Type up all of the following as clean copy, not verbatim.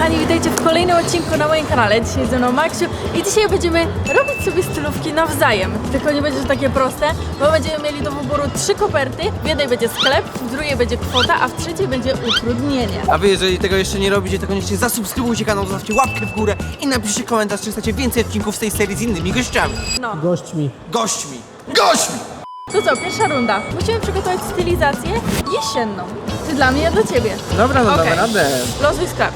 kochani, witajcie w kolejnym odcinku na moim kanale. Dzisiaj ze mną Maksiu i dzisiaj będziemy robić sobie stylówki nawzajem. Tylko nie będzie to takie proste, bo będziemy mieli do wyboru 3 koperty. W jednej będzie sklep, w drugiej będzie kwota, a w trzeciej będzie utrudnienie. A wy, jeżeli tego jeszcze nie robicie, to koniecznie zasubskrybujcie kanał, zostawcie łapkę w górę i napiszcie komentarz, czy chcecie więcej odcinków z tej serii z innymi gościami. No. Gośćmi. Gośćmi! Gośćmi! To co, pierwsza runda. Musimy przygotować stylizację jesienną. Ty dla mnie, ja dla ciebie. Dobra, no Okej. damy radę. Losuj sklep.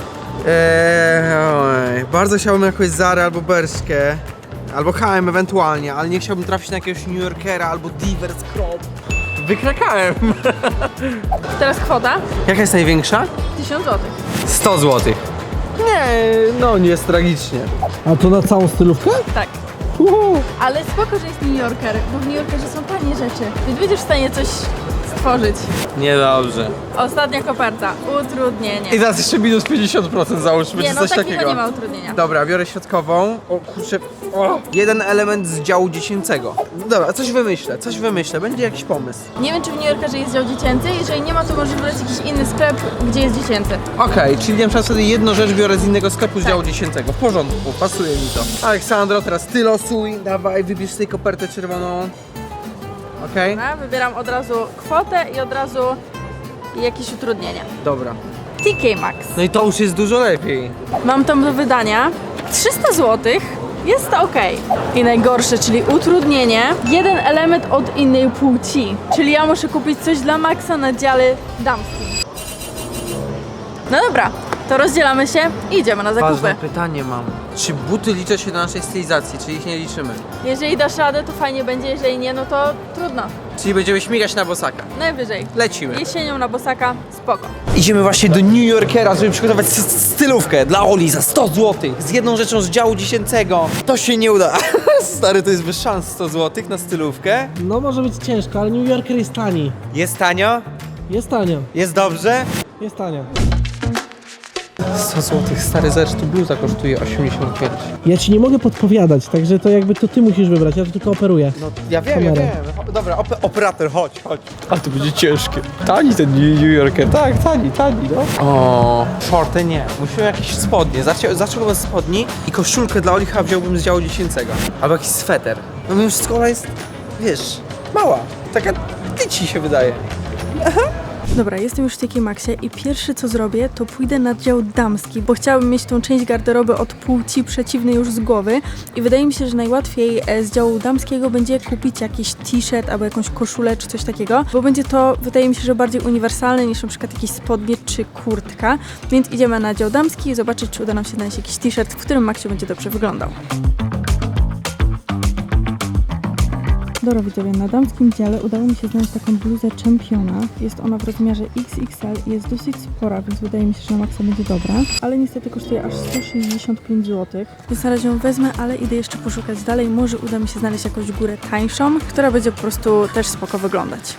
Bardzo chciałbym jakąś Zarę albo Bershkę, albo H&M ewentualnie, ale nie chciałbym trafić na jakiegoś New Yorkera albo Divers Crop. Wykrakałem. Teraz kwota. Jaka jest największa? 1000 zł. 100 zł. Nie, no nie jest tragicznie. A to na całą stylówkę? Tak. Ale spoko, że jest New Yorker, bo w New Yorkerze są tanie rzeczy. Więc będziesz w stanie coś stworzyć. Niedobrze. Ostatnia koperta. Utrudnienie. I teraz jeszcze minus 50% załóżmy, Nie, czy no coś takiego takiego. nie ma utrudnienia. Dobra, biorę środkową. O kurczę. O. Jeden element z działu dziecięcego. Dobra, coś wymyślę. Będzie jakiś pomysł. Nie wiem, czy w New Yorkerze jest dział dziecięcy. Jeżeli nie ma, to może wybrać jakiś inny sklep, gdzie jest dziecięcy. Okej, czyli na przykład sobie jedną rzecz biorę z innego sklepu z Tak. działu dziecięcego. W porządku, pasuje mi to. Aleksandro, teraz ty losuj. Dawaj, wybierz sobie kopertę czerwoną. Okej? Dobra, wybieram od razu kwotę i od razu jakieś utrudnienia. Dobra. TK Maxx. No i to już jest dużo lepiej. Mam tam do wydania 300 zł. Jest to ok. I najgorsze, czyli utrudnienie. Jeden element od innej płci. Czyli ja muszę kupić coś dla Maxa na dziale damskim. No dobra, to rozdzielamy się i idziemy na zakupy. Ważne pytanie mam. Czy buty liczą się do naszej stylizacji, czy ich nie liczymy? Jeżeli dasz radę, to fajnie będzie, jeżeli nie, no to trudno. Czyli będziemy śmigać na bosaka. Najwyżej. Lecimy. Jesienią na bosaka, spoko. Idziemy właśnie do New Yorkera, żeby przygotować stylówkę dla Oli za 100 zł. Z jedną rzeczą z działu dziecięcego. To się nie uda. Stary, to jest bez szans 100 zł na stylówkę. No może być ciężko, ale New Yorker jest tani. Jest tanio? Jest tanio. Jest dobrze? Jest tanio. 100 zł, stary, zobacz, tu bluza kosztuje 85. Ja ci nie mogę podpowiadać, także to jakby to ty musisz wybrać, ja to tylko operuję. No ja wiem, Kamerę. ja wiem. Dobra, operator, chodź. A to będzie ciężkie. Tani ten New Yorker, tak, tani, no. O, shorty nie. Musimy jakieś spodnie. Zacząłbym z spodni i koszulkę dla Oli chyba wziąłbym z działu dziecięcego. Albo jakiś sweter. No mimo wszystko Ola jest, wiesz, mała. Taka tyci się wydaje. Dobra, jestem już w TK Maxie i pierwsze co zrobię, to pójdę na dział damski, bo chciałabym mieć tą część garderoby od płci przeciwnej już z głowy i wydaje mi się, że najłatwiej z działu damskiego będzie kupić jakiś t-shirt albo jakąś koszulę czy coś takiego, bo będzie to, wydaje mi się, że bardziej uniwersalne niż na przykład jakieś spodnie czy kurtka, więc idziemy na dział damski i zobaczyć, czy uda nam się znaleźć jakiś t-shirt, w którym Maksiu będzie dobrze wyglądał. Dobra widzowie, na damskim dziale udało mi się znaleźć taką bluzę Czempiona. Jest ona w rozmiarze XXL i jest dosyć spora, więc wydaje mi się, że na maksa będzie dobra. Ale niestety kosztuje aż 165 zł. Więc na razie ją wezmę, ale idę jeszcze poszukać dalej. Może uda mi się znaleźć jakąś górę tańszą, która będzie po prostu też spoko wyglądać.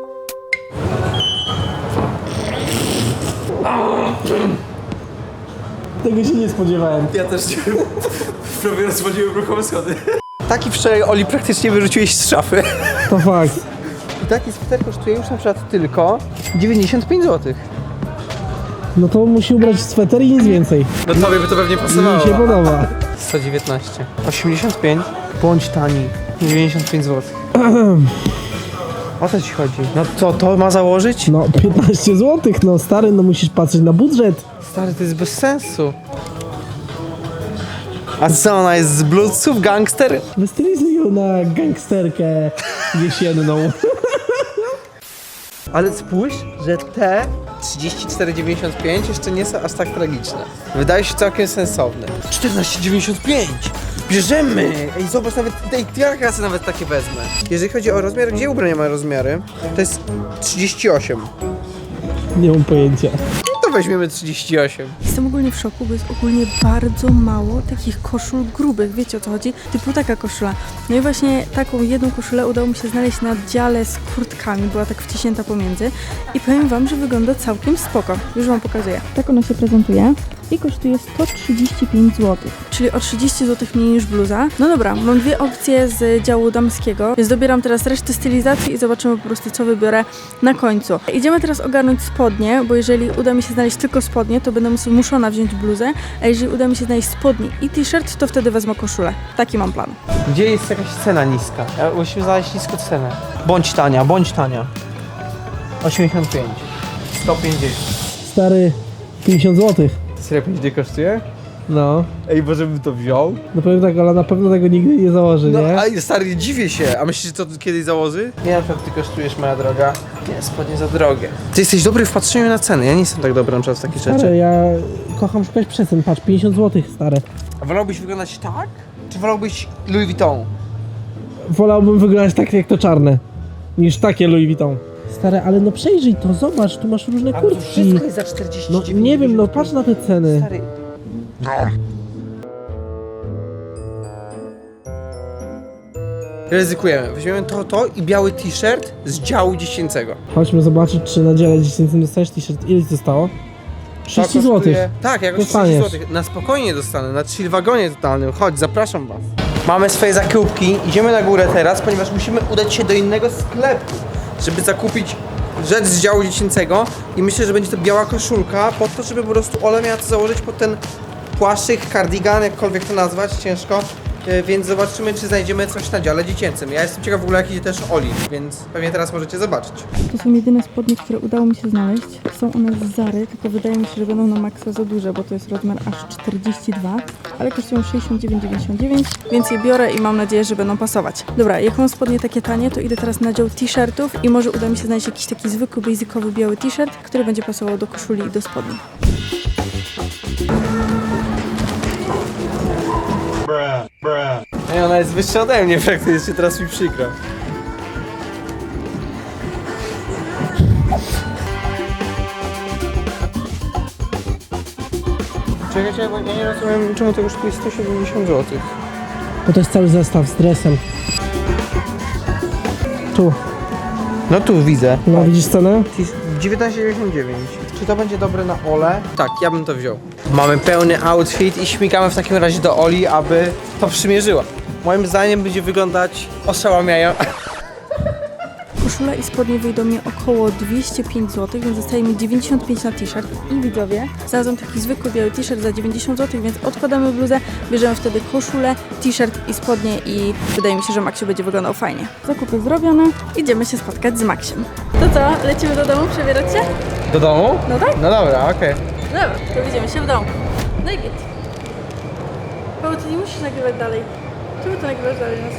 Tego się nie spodziewałem. Ja też nie. Prawie rozwaliłem ruchome schody. Taki wczoraj Oli praktycznie wyrzuciłeś z szafy. To fakt. I taki sweter kosztuje już na przykład tylko 95 zł. No to musi ubrać sweter i nic więcej. No tobie by to pewnie Mi się podoba. 119. 85. Bądź tani. 95 zł. O co ci chodzi? No co, to ma założyć? No 15 zł, no stary, no musisz patrzeć na budżet. Stary, to jest bez sensu. A co, ona jest z bluesów, gangster? Wystylizuj ją na gangsterkę jesienną. Ale spójrz, że te 34,95 jeszcze nie są aż tak tragiczne. Wydaje się całkiem sensowne. 14,95! Bierzemy! Ej, zobacz, nawet tej klasy nawet takie wezmę. Jeżeli chodzi o rozmiar, gdzie ubrania mają rozmiary? To jest 38. Nie mam pojęcia. To weźmiemy 38. Jestem ogólnie w szoku, bo jest ogólnie bardzo mało takich koszul grubych, wiecie o co chodzi? Typu taka koszula. No i właśnie taką jedną koszulę udało mi się znaleźć na dziale z kurtkami, była tak wciśnięta pomiędzy i powiem wam, że wygląda całkiem spoko. Już wam pokazuję. Tak ona się prezentuje. i kosztuje 135 zł, czyli o 30 zł mniej niż bluza. No dobra, mam dwie opcje z działu damskiego, więc dobieram teraz resztę stylizacji i zobaczymy po prostu, co wybiorę na końcu. Idziemy teraz ogarnąć spodnie, bo jeżeli uda mi się znaleźć tylko spodnie, to będę muszona wziąć bluzę, a jeżeli uda mi się znaleźć spodnie i t-shirt, to wtedy wezmę koszulę. Taki mam plan. Gdzie jest jakaś cena niska? Musimy znaleźć niską cenę. Bądź tania, bądź tania. 85. 150. Stary, 50 zł. Serio 5 dni kosztuje? No. Ej, może bym to wziął? No powiem tak, ale na pewno tego nigdy nie założy, No, nie? a stary, dziwię się. A myślisz, że to kiedyś założy? Nie, na przykład ty kosztujesz, moja droga. Nie, spodnie za drogie. Ty jesteś dobry w patrzeniu na ceny. Ja nie jestem tak dobry na przykład w takie Stary, rzeczy. ja kocham szukać przecen, patrz, 50 zł, stare. A wolałbyś wyglądać tak? Czy wolałbyś Louis Vuitton? Wolałbym wyglądać tak jak to czarne, niż takie Louis Vuitton. Stary, ale no przejrzyj to, zobacz, tu masz różne A to kurtki. wszystko jest za 49. No nie wiem, no patrz na te ceny. Stary. Ryzykujemy. Weźmiemy to i biały t-shirt z działu dziecięcego. Chodźmy zobaczyć, czy na dziale 10 dostajesz t-shirt. Ile ci zostało? 30 zł. Tak, jakoś 30 Dostaniesz. zł. Na spokojnie dostanę, na chill wagonie totalnym. Chodź, zapraszam was. Mamy swoje zakupki, idziemy na górę teraz, ponieważ musimy udać się do innego sklepu, żeby zakupić rzecz z działu dziecięcego i myślę, że będzie to biała koszulka po to, żeby po prostu Ola miała to założyć pod ten płaszczyk, cardigan, jakkolwiek to nazwać, ciężko. Więc zobaczymy, czy znajdziemy coś na dziale dziecięcym. Ja jestem ciekaw w ogóle, jak idzie też Oli, więc pewnie teraz możecie zobaczyć. To są jedyne spodnie, które udało mi się znaleźć. Są one z Zary, tylko wydaje mi się, że będą na maksa za duże, bo to jest rozmiar aż 42, ale kosztują 69,99, więc je biorę i mam nadzieję, że będą pasować. Dobra, jak mam spodnie takie tanie, to idę teraz na dział t-shirtów i może uda mi się znaleźć jakiś taki zwykły, basicowy biały t-shirt, który będzie pasował do koszuli i do spodni. Ej, ona jest wyższa ode mnie praktycznie, teraz mi przykro. Czekajcie, bo ja nie rozumiem, czemu to kosztuje 170 zł. Bo to jest cały zestaw z dresem. Tu. No tu widzę. No widzisz cenę? 19,99. Czy to będzie dobre na Olę? Tak, ja bym to wziął. Mamy pełny outfit i śmigamy w takim razie do Oli, aby to przymierzyła. Moim zdaniem będzie wyglądać oszałamiająco. Koszula i spodnie wyjdą mi około 205 zł, więc zostaje mi 95 na t-shirt. I widzowie, znalazłam taki zwykły biały t-shirt za 90 zł, więc odkładamy bluzę, bierzemy wtedy koszulę, t-shirt i spodnie i wydaje mi się, że Maksiu będzie wyglądał fajnie. Zakupy zrobione, idziemy się spotkać z Maksiem. To co, lecimy do domu przebierać się? Do domu? No tak. No dobra, okej. Dobra, to widzimy się w domu. No i git. Paweł, ty nie musisz nagrywać dalej. Czemu ty nagrywasz dalej nas?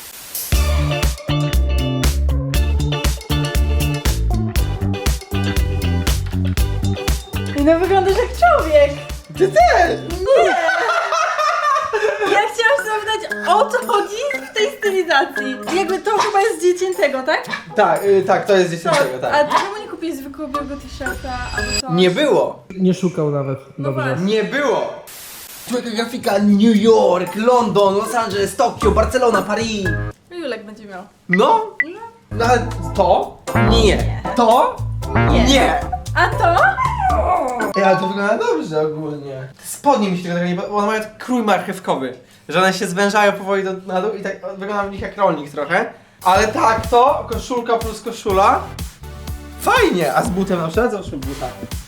No wyglądasz jak człowiek! Ty też! Nie! Ja chciałam zapytać, o co chodzi w tej stylizacji? Jakby to chyba jest z dziecięcego, tak? Tak, to jest dziecięcego, A tak. czemu nie kupiłeś zwykłego białego t-shirta albo coś? Nie było! Nie szukał nawet. No Dobrze. właśnie. Nie było! Tu jaka grafika New York, London, Los Angeles, Tokio, Barcelona, Paris. Julek będzie miał. No? No ale to? Nie. To? Nie. A to? Ej, ale to wygląda dobrze ogólnie. Spodnie mi się tego nie bo one mają krój marchewkowy. Że one się zwężają powoli na dół i tak wygląda w nich jak rolnik trochę. Ale tak to, koszulka plus koszula. Fajnie! A z butem na przykład? Załóżmy buta.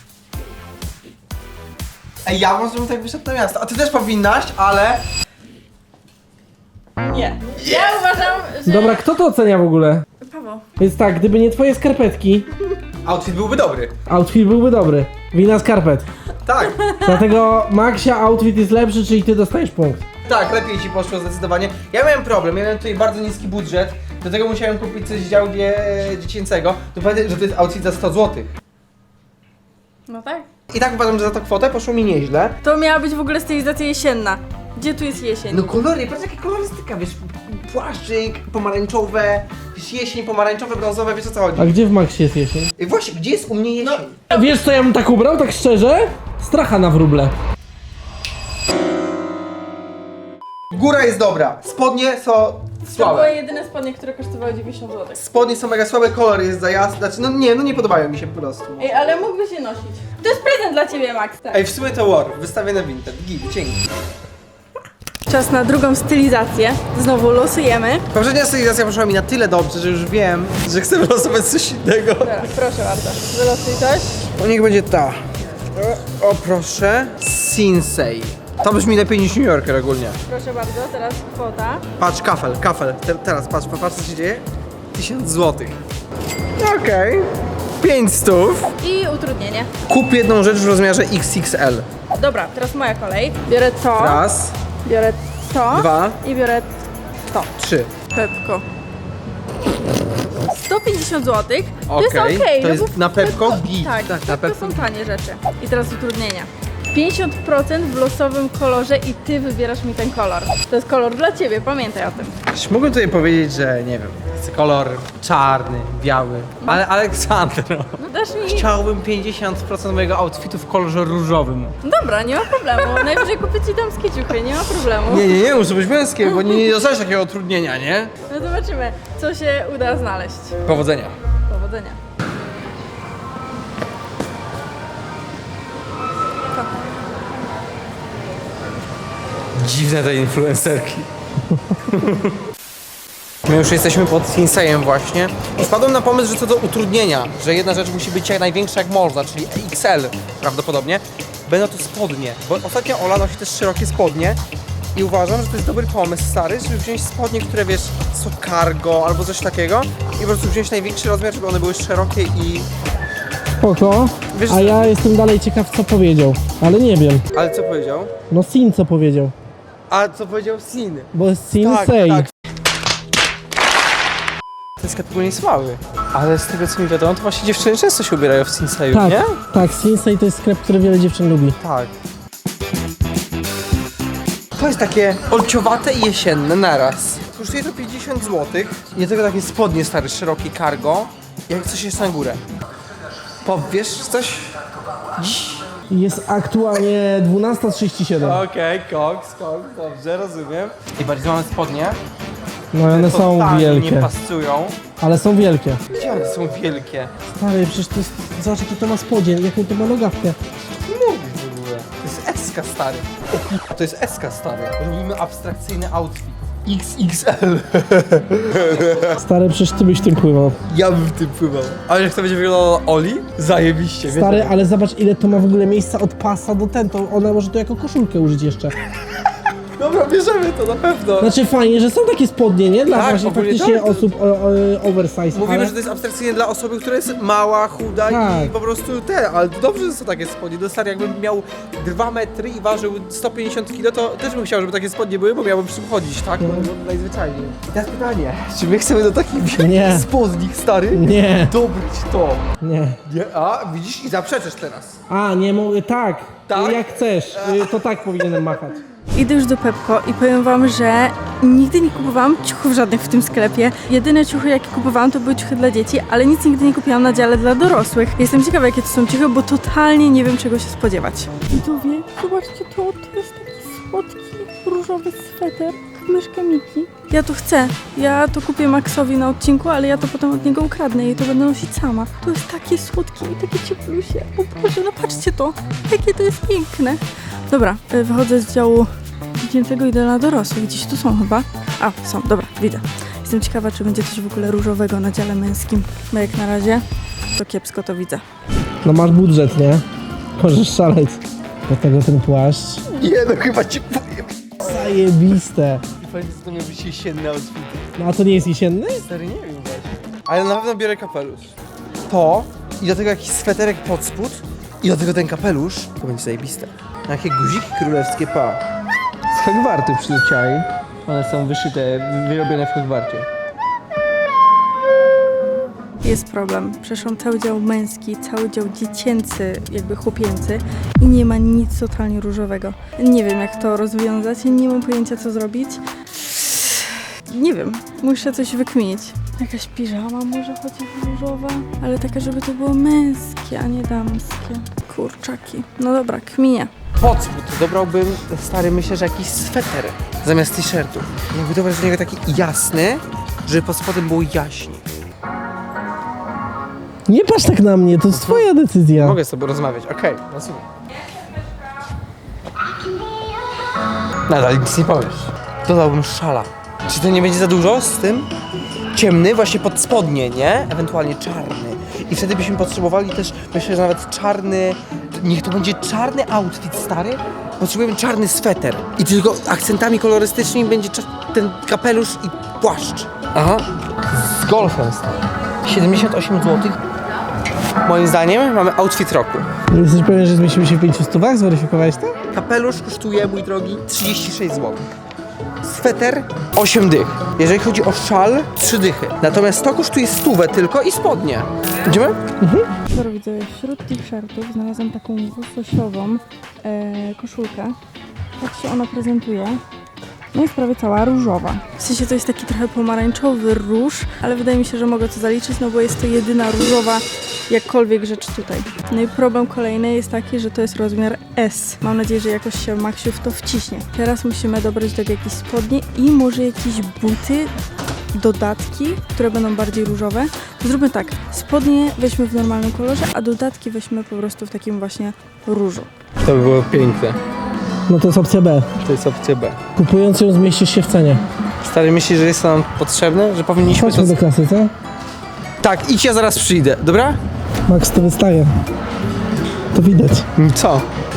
Ej, ja może bym tak wyszedł na miasto. A ty też powinnaś, ale... Nie. Ja uważam, że... Dobra, kto to ocenia w ogóle? Paweł. Więc tak, gdyby nie twoje skarpetki, Outfit byłby dobry. outfit byłby dobry. Wina skarpet. Tak. Dlatego Maxia outfit jest lepszy, czyli ty dostajesz punkt. Tak, lepiej ci poszło zdecydowanie. Ja miałem problem, ja miałem tutaj bardzo niski budżet, dlatego musiałem kupić coś z działu dziecięcego. To pamiętaj, że to jest outfit za 100 zł. No tak. I tak uważam, że za tą kwotę poszło mi nieźle. To miała być w ogóle stylizacja jesienna. Gdzie tu jest jesień? No kolory, patrz jaka kolorystyka, wiesz, płaszczyk, pomarańczowe, wiesz, jesień, pomarańczowe, brązowe, wiesz o co chodzi. A gdzie w Maxie jest jesień? I właśnie, gdzie jest u mnie jesień? A wiesz co ja bym tak ubrał, tak szczerze? Stracha na wróble. Góra jest dobra, spodnie są To były słabe. jedyne spodnie, które kosztowały 90 zł. Spodnie są mega słabe, kolor jest za jasny, znaczy no nie podobają mi się po prostu. Ej, ale mógłbyś je nosić. To jest prezent dla ciebie, Max. Tak. Ej, w sumie to war, wystawię na Vinted. Git, dzięki. Czas na drugą stylizację. Znowu losujemy. Poprzednia stylizacja poszła mi na tyle dobrze, że już wiem, że chcę wylosować coś innego. Dobra, proszę bardzo. Wylosuj coś. O, niech będzie ta. O, proszę. Sinsei. To brzmi lepiej niż New Yorker ogólnie. Proszę bardzo, teraz kwota. Patrz, kafel. Teraz, patrz, co się dzieje. 1000 zł. Okej. 500. I utrudnienie. Kup jedną rzecz w rozmiarze XXL. Dobra, teraz moja kolej. Biorę to. Raz, Biorę to. 2, I biorę to. 3. Pepko. 150 zł. To jest Okej, okej. to no jest bo na Pepko git. Tak, Tak, na Pepko Pepko. są tanie rzeczy. I teraz utrudnienia. 50% w losowym kolorze i ty wybierasz mi ten kolor. To jest kolor dla ciebie, pamiętaj o tym. Mógłbym tutaj powiedzieć, że nie wiem, chcę kolor czarny, biały, ale Aleksandro, No dasz mi... chciałbym 50% mojego outfitu w kolorze różowym. Dobra, nie ma problemu. Najwyżej kupię ci damskie ciuchy, nie ma problemu. Nie, muszę być męskie, bo nie dostajesz takiego utrudnienia, nie? No zobaczymy, co się uda znaleźć. Powodzenia. Powodzenia. Dziwne te influencerki. My już jesteśmy pod Sinsejem właśnie. I wpadłem na pomysł, że co do utrudnienia, że jedna rzecz musi być jak największa jak można, czyli XL prawdopodobnie. Będą to spodnie, bo ostatnio Ola nosi też szerokie spodnie i uważam, że to jest dobry pomysł, stary, żeby wziąć spodnie, które wiesz, są cargo albo coś takiego i po prostu wziąć największy rozmiar, żeby one były szerokie i... Spoko. Wiesz, A ja jestem dalej ciekaw, co powiedział. Ale nie wiem. Ale co powiedział? No Sin co powiedział. A co powiedział Sin? Bo jest Sinsei. Tak. Ten sklep ogólnie jest mały. Ale z tego co mi wiadomo, to właśnie dziewczyny często się ubierają w Sinseju, Tak, nie? tak, Sinsei to jest sklep, który wiele dziewczyn lubi. Tak. To jest takie olciowate i jesienne naraz. Kosztuje to 50 zł. I do tego takie spodnie stare, szerokie cargo. Jak coś jest na górę. Powiesz coś? Jest aktualnie 12:37. Okej, koks, dobrze, rozumiem. I bardziej mamy spodnie. No i one są Totalnie nie wielkie. pasują. Ale są wielkie. Gdzie one są wielkie? Stary, przecież to jest... Zobacz jaki to ma spodzień, jaką to ma nogawkę. Mówisz w ogóle. To jest SK stary. To jest SK stary. Robimy abstrakcyjny outfit. XXL. Stary, przecież ty byś tym pływał. Ja bym w tym pływał. Ale jak to będzie wyglądało Oli? Zajebiście. wiesz? Stary, ale zobacz ile to ma w ogóle miejsca od pasa do ten, to ona może to jako koszulkę użyć jeszcze. Dobra, bierzemy to na pewno. Znaczy fajnie, że są takie spodnie, nie? Dla Tak, właśnie ogólnie faktycznie tak, to- osób oversize. Mówimy, ale... że to jest abstrakcyjnie dla osoby, która jest mała, chuda i Tak. po prostu ale to dobrze, że są takie spodnie. No stary, jakbym miał 2 metry i ważył 150 kg, to też bym chciał, żeby takie spodnie były, bo miałbym przy tym chodzić, tak? No, najzwyczajniej. I teraz pytanie, czy my chcemy do takich Nie. spodni, stary? Nie, Dobrać to. nie. Nie, a widzisz i zaprzeczysz teraz. A, nie mogę, tak. Tak? Jak chcesz, to tak powinienem machać. Idę już do Pepko i powiem wam, że nigdy nie kupowałam ciuchów żadnych w tym sklepie. Jedyne ciuchy, jakie kupowałam, to były ciuchy dla dzieci, ale nic nigdy nie kupiłam na dziale dla dorosłych. Jestem ciekawa, jakie to są ciuchy, bo totalnie nie wiem, czego się spodziewać. Widzowie, zobaczcie to jest taki słodki, różowy sweter. Myszka Miki. Ja to chcę. Ja to kupię Maxowi na odcinku, ale ja to potem od niego ukradnę i to będę nosić sama. To jest takie słodkie i takie cieplusie. O Boże, no patrzcie to. Jakie to jest piękne. Dobra, wychodzę z działu dziecięcego, idę na dorosłych. Gdzieś tu są chyba. A, są, dobra, widzę. Jestem ciekawa, czy będzie coś w ogóle różowego na dziale męskim. Bo jak na razie, to kiepsko to widzę. No masz budżet, nie? Możesz szaleć. Do tego ten płaszcz. Nie, no chyba ci powiem. Zajebiste. I fajnie, że to miał być jesienny outfit. No a to nie jest jesienny? Stary, nie wiem właśnie. Ale na pewno biorę kapelusz. To i do tego jakiś sweterek pod spód i do tego ten kapelusz, to będzie zajebiste. Jakie guziki królewskie, pa. Z Hogwartu przyleciały. One są wyszyte, wyrobione w Hogwarcie. Jest problem. Przeszłam cały dział męski, cały dział dziecięcy, jakby chłopięcy i nie ma nic totalnie różowego. Nie wiem, jak to rozwiązać, nie mam pojęcia, co zrobić. Nie wiem, muszę coś wykminić. Jakaś piżama może chociaż różowa, ale taka, żeby to było męskie, a nie damskie. Kurczaki. No dobra, kminie. Pod spód dobrałbym, stary, myślę, że jakiś sweter zamiast t-shirtu. Jakby dobrać do niego taki jasny, żeby pod spodem było jaśniej. Nie patrz tak na mnie, to jest twoja decyzja. Mogę z tobą rozmawiać, okej, rozumiem. Nadal nic nie powiesz. Dodałbym szala. Czy to nie będzie za dużo z tym? Ciemny, właśnie pod spodnie, nie? Ewentualnie czarny. I wtedy byśmy potrzebowali też, myślę, że nawet czarny... Niech to będzie czarny outfit, stary. Potrzebujemy czarny sweter. I tylko akcentami kolorystycznymi będzie ten kapelusz i płaszcz. Aha. Z golfem, stary. 78 zł. Moim zdaniem mamy outfit roku. Jesteś pewien, że zmieścimy się w 500? Zweryfikowałeś to? Kapelusz kosztuje, mój drogi, 36 zł. Sweter 8 dych. Jeżeli chodzi o szal, 3 dychy. Natomiast to kosztuje 100 tylko i spodnie. Idziemy? Dobra, widzę, wśród t-shirtów znalazłam taką łososiową koszulkę. Tak się ona prezentuje. No jest prawie cała różowa. W sensie to jest taki trochę pomarańczowy róż, ale wydaje mi się, że mogę to zaliczyć, no bo jest to jedyna różowa jakkolwiek rzecz tutaj. No i problem kolejny jest taki, że to jest rozmiar S. Mam nadzieję, że jakoś się Maksiu w to wciśnie. Teraz musimy dobrać do tego jakieś spodnie i może jakieś buty, dodatki, które będą bardziej różowe. To zróbmy tak, spodnie weźmy w normalnym kolorze, a dodatki weźmy po prostu w takim właśnie różu. To by było piękne. No to jest opcja B. To jest opcja B. Kupując ją zmieścisz się w cenie. Stary, myślisz, że jest to nam potrzebne? Że powinniśmy Chodźmy do kasy, co? Tak, idź, ja zaraz przyjdę, dobra? Max to wystaje. To widać. Co?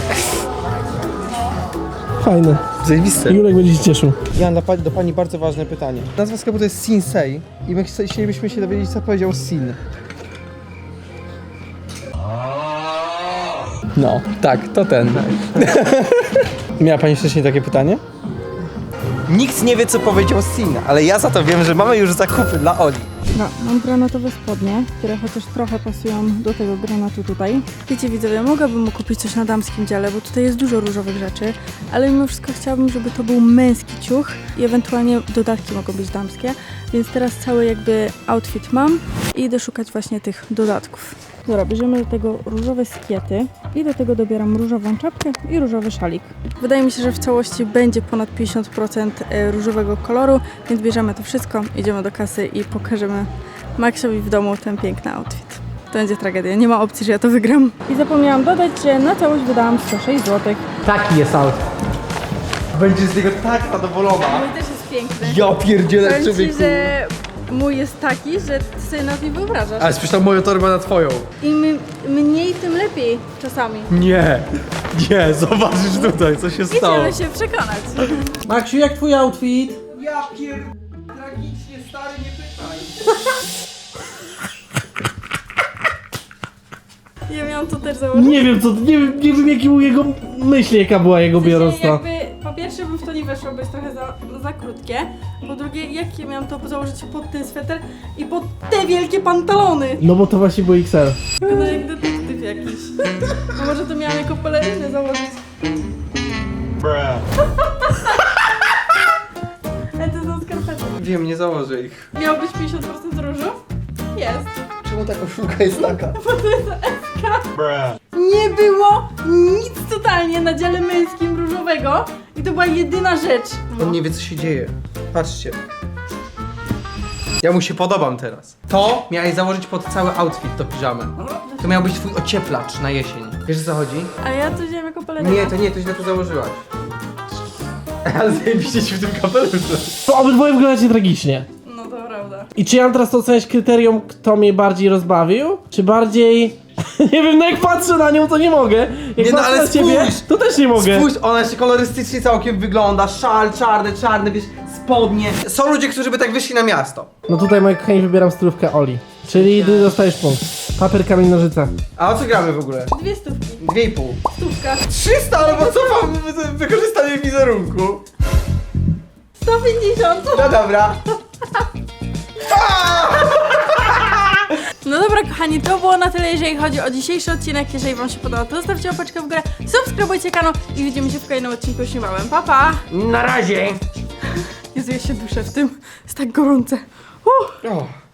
Fajne. Zajebiste. Julek będzie się cieszył. Ja mam do pani bardzo ważne pytanie. Nazwa sklepu to jest Sinsei i my chcielibyśmy się dowiedzieć, co powiedział Sin. No, tak, to ten. Miała pani wcześniej takie pytanie? Nikt nie wie, co powiedział Sin, ale ja za to wiem, że mamy już zakupy dla Oli. No, mam granatowe spodnie, które chociaż trochę pasują do tego granatu tutaj. Wiecie widzowie, mogłabym mu kupić coś na damskim dziale, bo tutaj jest dużo różowych rzeczy, ale mimo wszystko chciałabym, żeby to był męski ciuch i ewentualnie dodatki mogą być damskie, więc teraz cały jakby outfit mam i idę szukać właśnie tych dodatków. Dobra, bierzemy do tego różowe skiety i do tego dobieram różową czapkę i różowy szalik. Wydaje mi się, że w całości będzie ponad 50% różowego koloru, więc bierzemy to wszystko, idziemy do kasy i pokażemy Maxowi w domu ten piękny outfit. To będzie tragedia, nie ma opcji, że ja to wygram. I zapomniałam dodać, że na całość wydałam 106 zł. Taki jest out. Będzie z niego tak zadowolona. Mój też jest piękny. Ja pierdzielę, Powiem ci, człowieku. że mój jest taki, że ty sobie nas nie wyobrażasz. Ale spójrz na moją torbę na twoją. Im mniej, tym lepiej czasami. Nie, zobaczysz tutaj, co się Idziemy się przekonać. Maksiu, jak twój outfit? Ja tragicznie, stary, nie pytaj. Ja miałam to też założyć. Nie wiem co, nie wiem jaki był jego myśl, jaka była jego biorąca. Jakby, po pierwsze bym w to nie weszło, bo jest trochę za krótkie. Po drugie, jak ja miałam to założyć pod ten sweter i pod te wielkie pantalony? No bo to właśnie był XL. Wygląda jak detektyw jakiś. A może to miałam jako pelerynę założyć? Ale to są skarpety. Wiem, nie założę ich. Miało być 50% różu? Jest. Czemu ta koszulka jest taka? Bo to jest FK. Nie było nic totalnie na dziale męskim różowego i to była jedyna rzecz. On nie wie, co się dzieje. Patrzcie. Ja mu się podobam teraz. To miałeś założyć pod cały outfit, to piżamę. To miał być twój ocieplacz na jesień. Wiesz, o co chodzi? A ja to wziąłem jako pelerynę. Nie, to źle to założyłaś. Ale zajebiście ci w tym kapeluszu. To obydwoje wyglądacie tragicznie. No to prawda. I czy ja mam teraz to oceniać kryterium, kto mnie bardziej rozbawił? Czy bardziej... nie wiem, no jak patrzę na nią, to nie mogę. Jak Nie, no patrzę ale na ciebie, spójrz! to też nie mogę. Spójrz, ona jeszcze kolorystycznie całkiem wygląda. Szal, czarny, wiesz, spodnie. Są ludzie, którzy by tak wyszli na miasto. No tutaj, moi kochani, wybieram stylówkę Oli. Czyli ty dostajesz punkt. Papier, kamień, nożyce. A o co gramy w ogóle? 2 stówki. 2,5. Stówka. 300, ale bo co mam wykorzystanie wizerunku? 150. No dobra. No dobra kochani, to było na tyle, jeżeli chodzi o dzisiejszy odcinek. Jeżeli wam się podobał, to zostawcie łapeczkę w górę, subskrybujcie kanał i widzimy się w kolejnym odcinku już niebawem. Pa, pa! Na razie. Jezu, ja się duszę w tym. Jest tak gorące. O.